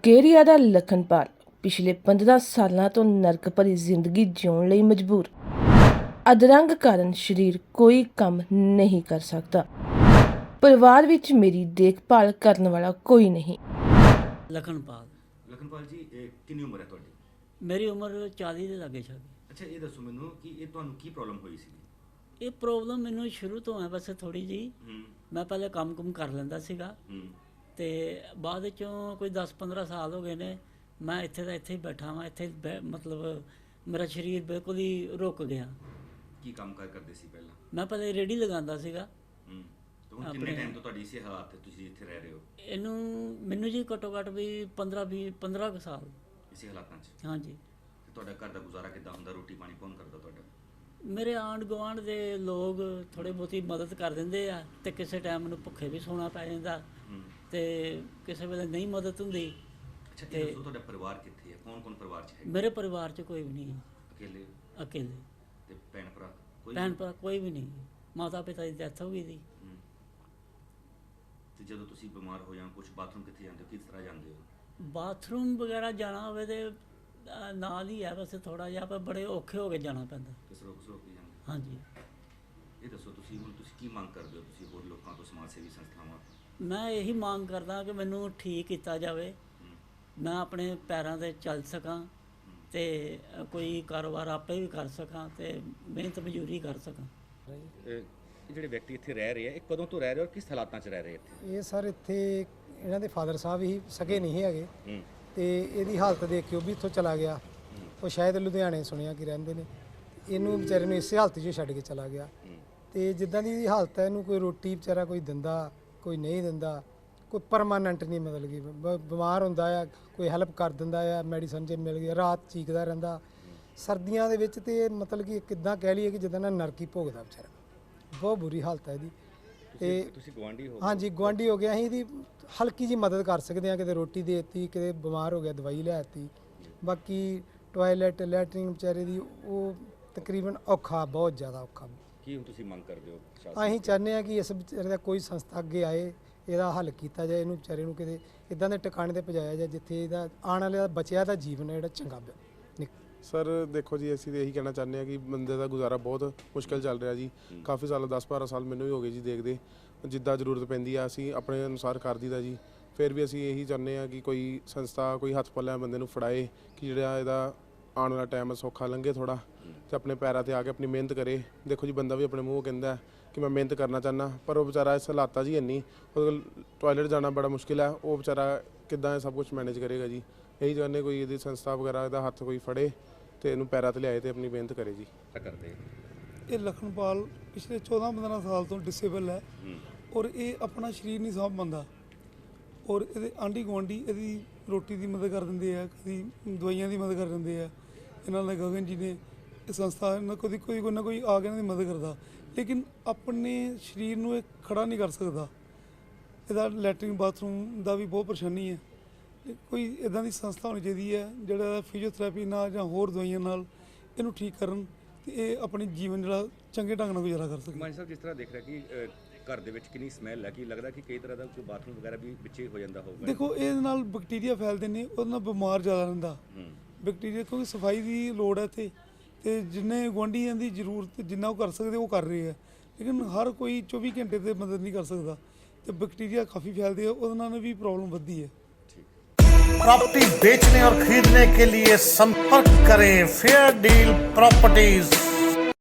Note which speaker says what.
Speaker 1: ਮੁਕੇਰੀਆ ਦਾ ਲਖਨਪਾਲ ਪਿਛਲੇ 15 ਸਾਲਾਂ ਤੋਂ ਨਰਕ ਭਰੀ ਜ਼ਿੰਦਗੀ ਜਿਉਣ ਲਈ ਮਜਬੂਰ। ਅਧਰੰਗ ਕਾਰਨ ਸਰੀਰ ਕੋਈ ਕੰਮ ਨਹੀਂ ਕਰ ਸਕਦਾ। ਪਰਿਵਾਰ ਵਿੱਚ ਮੇਰੀ ਦੇਖਭਾਲ ਕਰਨ ਵਾਲਾ ਕੋਈ ਨਹੀਂ।
Speaker 2: ਲਖਨਪਾਲ ਜੀ ਕਿੰਨੀ ਉਮਰ ਹੈ ਤੁਹਾਡੀ?
Speaker 3: ਮੇਰੀ ਉਮਰ 40 ਦੇ ਲਾਗੇ ਛਾਗੇ।
Speaker 2: ਅੱਛਾ, ਇਹ ਦੱਸੋ ਮੈਨੂੰ ਕਿ ਇਹ ਤੁਹਾਨੂੰ ਕੀ ਪ੍ਰੋਬਲਮ ਹੋਈ ਸੀ?
Speaker 3: ਇਹ ਪ੍ਰੋਬਲਮ ਮੈਨੂੰ ਸ਼ੁਰੂ ਤੋਂ ਹੈ ਬਸ ਥੋੜੀ ਜੀ। ਮੈਂ ਪਹਿਲੇ ਕੰਮ ਕਰ ਲੈਂਦਾ ਸੀਗਾ ਤੇ ਬਾਅਦ ਵਿੱਚੋਂ ਕੋਈ 10-15 ਸਾਲ ਹੋ ਗਏ ਨੇ ਮੈਂ ਇੱਥੇ ਦਾ ਇੱਥੇ ਹੀ ਬੈਠਾ ਹਾਂ। ਇੱਥੇ ਮਤਲਬ ਮੇਰਾ ਸਰੀਰ ਬਿਲਕੁਲ ਹੀ ਰੁਕ ਗਿਆ।
Speaker 2: ਕੀ ਕੰਮ ਕਰਦੇ ਸੀ ਪਹਿਲਾਂ?
Speaker 3: ਮੈਂ ਪਹਿਲੇ ਰੇਹੜੀ ਲਗਾਉਂਦਾ ਸੀਗਾ।
Speaker 2: ਹੁਣ ਕਿੰਨੇ ਟਾਈਮ ਤੋਂ ਤੁਹਾਡੀ ਇਸੇ ਹਾਲਾਤ ਤੇ ਤੁਸੀਂ ਇੱਥੇ ਰਹਿ ਰਹੇ ਹੋ?
Speaker 3: ਮੈਨੂੰ ਜੀ ਘੱਟੋ ਘੱਟ ਵੀ 15 ਕੁ ਸਾਲ
Speaker 2: ਇਸੇ ਹਾਲਾਤਾਂ 'ਚ।
Speaker 3: ਹਾਂਜੀ।
Speaker 2: ਤੇ ਤੁਹਾਡਾ ਘਰ ਦਾ ਗੁਜ਼ਾਰਾ ਕਿੱਦਾਂ ਹੁੰਦਾ? ਰੋਟੀ ਪਾਣੀ ਕੌਣ ਕਰਦਾ ਤੁਹਾਡਾ?
Speaker 3: ਮੇਰੇ ਆਂਢ ਗੁਆਂਢ ਦੇ ਲੋਕ ਥੋੜ੍ਹੀ ਬਹੁਤੀ ਮਦਦ ਕਰ ਦਿੰਦੇ ਆ ਤੇ ਕਿਸੇ ਟਾਈਮ ਮੈਨੂੰ ਭੁੱਖੇ ਵੀ ਸੌਣਾ ਪੈ ਜਾਂਦਾ ਤੇ ਕਿਸੇ ਵੇਲੇ ਨਹੀਂ ਮਦਦ ਹੁੰਦੀ।
Speaker 2: ਅੱਛਾ, ਇਹ ਦੱਸੋ ਤੁਹਾਡਾ ਪਰਿਵਾਰ ਕਿੱਥੇ ਹੈ? ਕੌਣ ਪਰਿਵਾਰ 'ਚ ਹੈ?
Speaker 3: ਮੇਰੇ ਪਰਿਵਾਰ 'ਚ ਕੋਈ ਵੀ ਨਹੀਂ। ਅਕੇਲੇ।
Speaker 2: ਤੇ ਭੈਣ ਭਰਾ
Speaker 3: ਕੋਈ ਵੀ ਨਹੀਂ। ਮਾਤਾ ਪਿਤਾ ਦੀ ਡੈਥ ਹੋ ਗਈ ਸੀ।
Speaker 2: ਤੇ ਜਦੋਂ ਤੁਸੀਂ ਬਿਮਾਰ ਹੋ ਜਾਂ ਕੁਝ ਬਾਥਰੂਮ ਕਿੱਥੇ ਜਾਂਦੇ ਹੋ? ਕਿਸ ਤਰ੍ਹਾਂ ਜਾਂਦੇ ਹੋ?
Speaker 3: ਬਾਥਰੂਮ ਵਗੈਰਾ ਜਾਣਾ ਹੋਵੇ ਤੇ ਨਾਲ ਹੀ ਹੈ ਬਸ ਥੋੜਾ ਜਿਹਾ, ਪਰ ਬੜੇ ਔਖੇ ਹੋ ਕੇ ਜਾਣਾ ਪੈਂਦਾ।
Speaker 2: ਕਿਸਰੋ ਕੇ ਜਾਂਦੇ?
Speaker 3: ਹਾਂਜੀ।
Speaker 2: ਇਹ ਦੱਸੋ ਤੁਸੀਂ ਕੀ ਮੰਗ ਕਰਦੇ ਹੋ ਤੁਸੀਂ ਹੋਰ ਲੋਕਾਂ ਤੋਂ, ਸਮਾਜ ਸੇਵੀ ਸੰਸਥਾਵਾਂ ਤੋਂ?
Speaker 3: ਮੈਂ ਇਹੀ ਮੰਗ ਕਰਦਾ ਕਿ ਮੈਨੂੰ ਠੀਕ ਕੀਤਾ ਜਾਵੇ, ਮੈਂ ਆਪਣੇ ਪੈਰਾਂ 'ਤੇ ਚੱਲ ਸਕਾਂ ਤੇ ਕੋਈ ਕਾਰੋਬਾਰ ਆਪੇ ਵੀ ਕਰ ਸਕਾਂ ਤੇ ਮਿਹਨਤ ਮਜ਼ਦੂਰੀ ਕਰ ਸਕਾਂ।
Speaker 2: ਇਹ ਜਿਹੜੇ ਵਿਅਕਤੀ ਇੱਥੇ ਰਹਿ ਰਹੇ ਆ, ਇਹ ਕਦੋਂ ਤੋਂ ਰਹਿ ਰਹੇ ਔਰ ਕਿਸ ਹਾਲਾਤਾਂ 'ਚ ਰਹਿ ਰਹੇ ਇੱਥੇ?
Speaker 4: ਇਹ ਸਰ ਇੱਥੇ ਇਹਨਾਂ ਦੇ ਫਾਦਰ ਸਾਹਿਬ ਹੀ ਸਕੇ ਨਹੀਂ ਹੈਗੇ ਤੇ ਇਹਦੀ ਹਾਲਤ ਦੇਖ ਕੇ ਉਹ ਵੀ ਇੱਥੋਂ ਚਲਾ ਗਿਆ। ਉਹ ਸ਼ਾਇਦ ਲੁਧਿਆਣੇ ਸੁਣਿਆ ਕਿ ਰਹਿੰਦੇ ਨੇ। ਇਹਨੂੰ ਵਿਚਾਰੇ ਨੂੰ ਇਸੇ ਹਾਲਤ 'ਚ ਛੱਡ ਕੇ ਚਲਾ ਗਿਆ ਤੇ ਜਿੱਦਾਂ ਦੀ ਇਹਦੀ ਹਾਲਤ ਹੈ ਇਹਨੂੰ ਕੋਈ ਰੋਟੀ ਵਿਚਾਰਾ ਕੋਈ ਦਿੰਦਾ, ਕੋਈ ਨਹੀਂ ਦਿੰਦਾ, ਕੋਈ ਪਰਮਾਨੈਂਟ ਨਹੀਂ। ਮਤਲਬ ਕਿ ਬਿਮਾਰ ਹੁੰਦਾ ਆ ਕੋਈ ਹੈਲਪ ਕਰ ਦਿੰਦਾ ਆ, ਮੈਡੀਸਨ ਜੇ ਮਿਲ ਗਈ ਰਾਤ ਚੀਕਦਾ ਰਹਿੰਦਾ ਸਰਦੀਆਂ ਦੇ ਵਿੱਚ। ਤੇ ਮਤਲਬ ਕਿ ਕਿੱਦਾਂ ਕਹਿ ਲਈਏ ਕਿ ਜਿੱਦਾਂ ਨਾ ਨਰਕੀ ਭੋਗਦਾ ਵਿਚਾਰਾ। ਬਹੁਤ ਬੁਰੀ ਹਾਲਤ ਹੈ ਇਹਦੀ। ਤੇ
Speaker 2: ਤੁਸੀਂ ਗੁਆਂਢੀ ਹੋ? ਹਾਂਜੀ,
Speaker 4: ਗੁਆਂਢੀ ਹੋ ਗਿਆ। ਅਸੀਂ ਇਹਦੀ ਹਲਕੀ ਜੀ ਮਦਦ ਕਰ ਸਕਦੇ ਹਾਂ, ਕਿਤੇ ਰੋਟੀ ਦੇ ਦਿੱਤੀ, ਕਿਤੇ ਬਿਮਾਰ ਹੋ ਗਿਆ ਦਵਾਈ ਲੈ ਦਿੱਤੀ। ਬਾਕੀ ਟੋਇਲਟ ਲੈਟਰਿੰਗ ਵਿਚਾਰੇ ਦੀ ਉਹ ਤਕਰੀਬਨ ਔਖਾ, ਬਹੁਤ ਜ਼ਿਆਦਾ ਔਖਾ।
Speaker 2: ਕੀ ਹੁਣ ਤੁਸੀਂ ਮੰਗ ਕਰਦੇ ਹੋ?
Speaker 4: ਅਸੀਂ ਚਾਹੁੰਦੇ ਹਾਂ ਕਿ ਇਸ ਵਿਚਾਰੇ ਦਾ ਕੋਈ ਸੰਸਥਾ ਅੱਗੇ ਆਏ, ਇਹਦਾ ਹੱਲ ਕੀਤਾ ਜਾਏ, ਇਹਨੂੰ ਵਿਚਾਰੇ ਨੂੰ ਕਿਤੇ ਇੱਦਾਂ ਦੇ ਟਿਕਾਣੇ 'ਤੇ ਪਹੁੰਚਾਇਆ ਜਾਏ ਜਿੱਥੇ ਇਹਦਾ ਆਉਣ ਵਾਲੇ ਦਾ ਬਚਿਆ ਦਾ ਜੀਵਨ ਹੈ ਜਿਹੜਾ ਚੰਗਾ
Speaker 5: ਸਰ ਦੇਖੋ ਜੀ, ਅਸੀਂ ਤਾਂ ਇਹੀ ਕਹਿਣਾ ਚਾਹੁੰਦੇ ਹਾਂ ਕਿ ਬੰਦੇ ਦਾ ਗੁਜ਼ਾਰਾ ਬਹੁਤ ਮੁਸ਼ਕਿਲ ਚੱਲ ਰਿਹਾ ਜੀ। ਕਾਫੀ ਸਾਲ 10-12 ਸਾਲ ਮੈਨੂੰ ਵੀ ਹੋ ਗਏ ਜੀ ਦੇਖਦੇ। ਜਿੱਦਾਂ ਜ਼ਰੂਰਤ ਪੈਂਦੀ ਆ ਅਸੀਂ ਆਪਣੇ ਅਨੁਸਾਰ ਕਰ ਦਈਦਾ ਜੀ। ਫਿਰ ਵੀ ਅਸੀਂ ਇਹੀ ਚਾਹੁੰਦੇ ਹਾਂ ਕਿ ਕੋਈ ਸੰਸਥਾ ਕੋਈ ਹੱਥ ਪੱਲਿਆਂ ਬੰਦੇ ਨੂੰ ਫੜਾਏ ਕਿ ਜਿਹੜਾ ਇਹਦਾ ਆਉਣ ਵਾਲਾ ਟਾਈਮ ਸੌਖਾ ਲੰਘੇ ਥੋੜ੍ਹਾ ਅਤੇ ਆਪਣੇ ਪੈਰਾਂ 'ਤੇ ਆ ਕੇ ਆਪਣੀ ਮਿਹਨਤ ਕਰੇ। ਦੇਖੋ ਜੀ, ਬੰਦਾ ਵੀ ਆਪਣੇ ਮੂੰਹ ਕਹਿੰਦਾ ਕਿ ਮੈਂ ਮਿਹਨਤ ਕਰਨਾ ਚਾਹੁੰਦਾ, ਪਰ ਉਹ ਵਿਚਾਰਾ ਇਸ ਹਾਲਾਤਾਂ 'ਚ ਹੀ ਇੰਨੀ, ਉਹਦੇ ਟੋਇਲਟ ਜਾਣਾ ਬੜਾ ਮੁਸ਼ਕਿਲ ਹੈ। ਉਹ ਵਿਚਾਰਾ ਕਿੱਦਾਂ ਇਹ ਸਭ ਕੁਝ ਮੈਨੇਜ ਕਰੇਗਾ ਜੀ? ਇਹੀ ਚਾਹੁੰਦੇ ਕੋਈ ਇਹਦੀ ਸੰਸਥਾ ਵਗੈਰਾ ਇਹਦਾ ਹੱਥ ਕੋਈ ਫੜੇ ਤੇ ਇਹਨੂੰ ਪੈਰਾਂ 'ਤੇ ਲਿਆਏ ਤੇ ਆਪਣੀ ਮਿਹਨਤ ਕਰੇ ਜੀ।
Speaker 2: ਕਰਦੇ
Speaker 6: ਇਹ ਲਖਨਪਾਲ ਪਿਛਲੇ 14-15 ਸਾਲ ਤੋਂ ਡਿਸੇਬਲ ਹੈ ਔਰ ਇਹ ਆਪਣਾ ਸਰੀਰ ਨਹੀਂ ਸਾਂਭ ਪਾਉਂਦਾ ਔਰ ਇਹਦੇ ਆਂਢੀ ਗੁਆਂਢੀ ਇਹਦੀ ਰੋਟੀ ਦੀ ਮਦਦ ਕਰ ਦਿੰਦੇ ਆ, ਕਦੀ ਦਵਾਈਆਂ ਦੀ ਮਦਦ ਕਰ ਦਿੰਦੇ ਆ। ਇਹਨਾਂ ਦੇ ਗਗਨ ਜੀ ਨੇ ਇਹ ਸੰਸਥਾ ਨਾਲ ਕੋਈ ਨਾ ਕੋਈ ਆ ਕੇ ਇਹਨਾਂ ਦੀ ਮਦਦ ਕਰਦਾ, ਲੇਕਿਨ ਆਪਣੇ ਸਰੀਰ ਨੂੰ ਇਹ ਖੜਾ ਨਹੀਂ ਕਰ ਸਕਦਾ। ਇਹਦਾ ਲੈਟਰਿੰਗ ਬਾਥਰੂਮ ਦਾ ਵੀ ਬਹੁਤ ਪਰੇਸ਼ਾਨੀ ਹੈ। ਕੋਈ ਇੱਦਾਂ ਦੀ ਸੰਸਥਾ ਹੋਣੀ ਚਾਹੀਦੀ ਹੈ ਜਿਹੜਾ ਫਿਜ਼ੀਓਥੈਰੇਪੀ ਨਾਲ ਜਾਂ ਹੋਰ ਦਵਾਈਆਂ ਨਾਲ ਇਹਨੂੰ ਠੀਕ ਕਰਨ ਤੇ ਇਹ ਆਪਣੀ ਜੀਵਨ ਜਿਹੜਾ ਚੰਗੇ ਢੰਗ ਨਾਲ ਗੁਜ਼ਾਰਾ ਕਰ ਸਕੇ।
Speaker 2: ਮਾਨ ਸਾਹਿਬ, ਜਿਸ ਤਰ੍ਹਾਂ ਦੇਖ ਰਿਹਾ ਕਿ ਘਰ ਦੇ ਵਿੱਚ ਕਿੰਨੀ ਸਮੈਲ ਹੈ, ਕੀ ਲੱਗਦਾ ਕਿ ਕਈ ਤਰ੍ਹਾਂ ਦਾ ਕੋਈ ਬਾਥਰੂਮ ਵਗੈਰਾ ਵੀ ਵਿੱਚੇ ਹੋ ਜਾਂਦਾ ਹੋਊਗਾ?
Speaker 6: ਦੇਖੋ, ਇਹਦੇ ਨਾਲ ਬੈਕਟੀਰੀਆ ਫੈਲਦੇ ਨੇ, ਉਹਦੇ ਨਾਲ ਬਿਮਾਰ ਜ਼ਿਆਦਾ ਰਹਿੰਦਾ ਬੈਕਟੀਰੀਆ, ਕਿਉਂਕਿ ਸਫਾਈ ਦੀ ਲੋੜ ਹੈ ਇੱਥੇ ਤੇ ਜਿੰਨੇ ਗੁਆਂਢੀਆਂ ਦੀ ਜ਼ਰੂਰਤ ਜਿੰਨਾ ਉਹ ਕਰ ਸਕਦੇ ਉਹ ਕਰ ਰਹੇ ਆ, ਲੇਕਿਨ ਹਰ ਕੋਈ 24 ਘੰਟੇ ਤੇ ਮਦਦ ਨਹੀਂ ਕਰ ਸਕਦਾ ਤੇ ਬੈਕਟੀਰੀਆ ਕਾफ़ी फैलते हैं, ਉਹਦੇ ਨਾਲ भी प्रॉब्लम बढ़ती है।
Speaker 7: प्रॉपर्टी बेचने और खरीदने के लिए संपर्क करें फेयर डील प्रॉपर्टीज।